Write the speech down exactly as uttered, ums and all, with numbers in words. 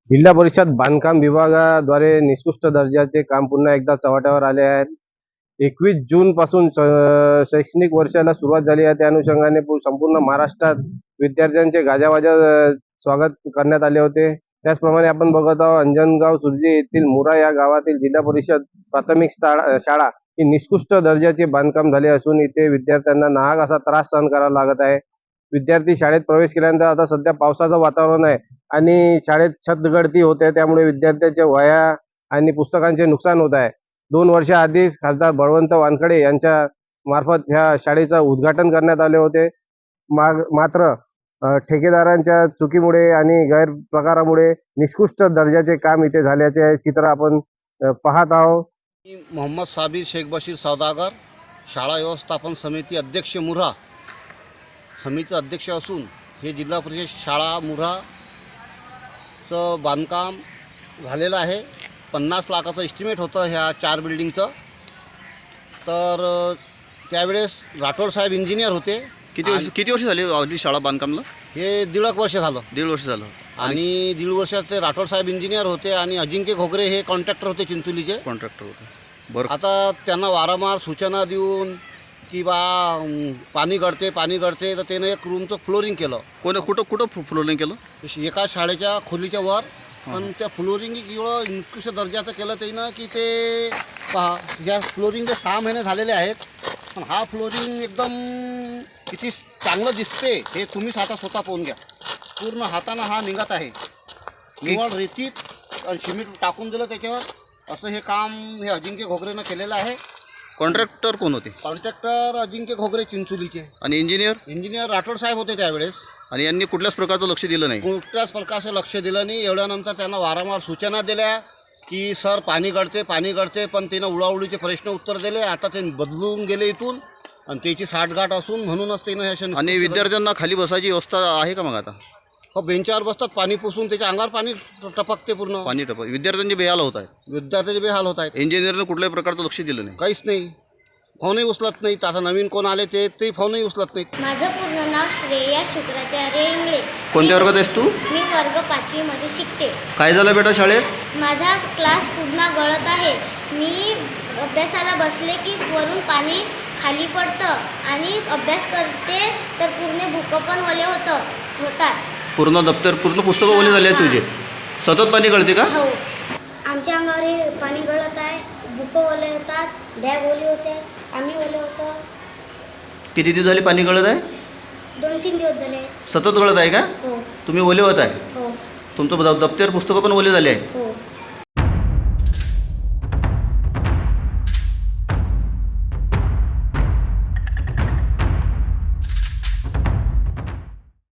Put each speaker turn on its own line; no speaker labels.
जिल्हा परिषद बांधकाम विभागाद्वारे निकृष्ट दर्जाचे काम पुन्हा एकदा चव्हाट्यावर आले आहेत. एकवीस जून पासून शैक्षणिक वर्षाला सुरुवात झाली आहे. त्या अनुषंगाने संपूर्ण महाराष्ट्रात विद्यार्थ्यांचे गाजावाजा स्वागत करण्यात आले होते. त्याचप्रमाणे आपण बघत आहोत अंजनगाव सुर्जी येथील मुरा या गावातील जिल्हा परिषद प्राथमिक शाळा ही निकृष्ट दर्जाचे बांधकाम झाले असून इथे विद्यार्थ्यांना नाहक असा त्रास सहन करावा लागत आहे. विद्यार्थी शाळेत प्रवेश केल्यानंतर आता सध्या पावसाचं वातावरण आहे आणि शाळेत छतगळती होते, त्यामुळे विद्यार्थ्यांच्या वह्या आणि पुस्तकांचे नुकसान होत आहे. दोन वर्षा आधीच खासदार बळवंत वानखडे यांच्या मार्फत ह्या शाळेचं उद्घाटन करण्यात आले होते. मात्र ठेकेदारांच्या चुकीमुळे आणि गैरप्रकारामुळे निकृष्ट दर्जाचे काम इथे झाल्याचे चित्र आपण पाहत आहोत.
मोहम्मद साबिर शेख बशीर सौदागर, शाळा व्यवस्थापन समिती अध्यक्ष मुरा समिती अध्यक्ष असून हे जिल्हा परिषद शाळा मुराचं बांधकाम झालेलं आहे. पन्नास लाखाचं एस्टिमेट होतं ह्या चार बिल्डिंगचं. तर त्यावेळेस राठोड साहेब इंजिनियर होते.
किती वर्ष किती वर्ष झाली आपली शाळा बांधकामला?
हे दीड एक वर्ष झालं.
दीड वर्ष झालं.
आणि दीड वर्षात ते राठोड साहेब इंजिनियर होते आणि अजिंक्य घोगरे हे कॉन्ट्रॅक्टर होते, चिंचोलीचे
कॉन्ट्रॅक्टर होते. बरं,
आता त्यांना वारंवार सूचना देऊन की बा पाणी गळते पाणी गळते तर त्यानं एक रूमचं फ्लोरिंग केलं.
कोण कुठं कुठं फ्लोरिंग केलं?
एका शाळेच्या खोलीच्या वर. पण त्या फ्लोरिंग एवढं निकृष्ट दर्जाचं केलं त्यानं की ते पहा, या फ्लोरिंगचे सहा महिने झालेले आहेत, पण हा फ्लोरिंग एकदम किती चांगलं दिसते हे तुम्हीच आता स्वतः पाहून घ्या. पूर्ण हातानं हा निघत आहे. निवड रेतीत आणि सिमेंट टाकून दिलं त्याच्यावर. असं हे काम हे अजिंक्य घोगरेनं केलेलं आहे.
कॉन्ट्रॅक्टर कोण होते?
कॉन्ट्रॅक्टर अजिंक्य घोगरे चिंचोलीचे.
आणि इंजिनियर?
इंजिनियर राठोड साहेब होते त्यावेळेस.
आणि यांनी कुठल्याच प्रकारचं लक्ष दिलं नाही?
कुठल्याच प्रकारचं लक्ष दिलं नाही. एवढ्यानंतर त्यांना वारंवार सूचना दिल्या की सर पाणी गळते पाणी गळते, पण त्यानं उडाउडीचे प्रश्न उत्तर दिले. आता ते बदलून गेले इथून आणि त्याची साठगाठ असून म्हणूनच त्यानं.
आणि विद्यार्थ्यांना खाली बसायची व्यवस्था आहे का मग आता?
हो, बेंचावर बसतात, पाणी पुसून त्याच्या अंगावर पाणी टपकते पूर्ण.
पाणी टपक. विद्यार्थ्यांचे बेहाल होत आहेत.
विद्यार्थ्याचे बेहाल होत आहेत.
इंजिनियरनं कुठल्याही प्रकारचं लक्ष दिलं नाही?
काहीच नाही. फोनही उचलत नाहीत. आता नवीन कोण आले ते ते फोनही उचलत नाहीत.
माझं पूर्ण नाव श्रेया शुक्राचार्य इंगळे.
कोणत्या वर्गात आहेस तू?
मी वर्ग पाचवीमध्ये शिकते.
काय झालं बेटा शाळेत?
माझा क्लास पूर्ण गळत आहे. मी अभ्यासाला बसले की वरून पाणी खाली पडतं आणि अभ्यास करते तर पूर्ण बुकं पण ओले होतं होतात.
पूर्ण दप्तर पूर्ण पुस्तकं ओले झाले आहेत तुझे? सतत पाणी गळते का?
हो, आमच्या अंगावर हे पाणी गळत आहे. बुकं ओले होतात, बॅग ओली होते, आम्ही ओले होतो.
किती दिवस झाले पाणी गळत आहे?
दोन तीन दिवस झाले.
सतत गळत आहे का?
हो
तुम्ही ओले होत आहे?
हो
तुमचं दप्तर पुस्तकं पण ओले झाले आहेत?
हो.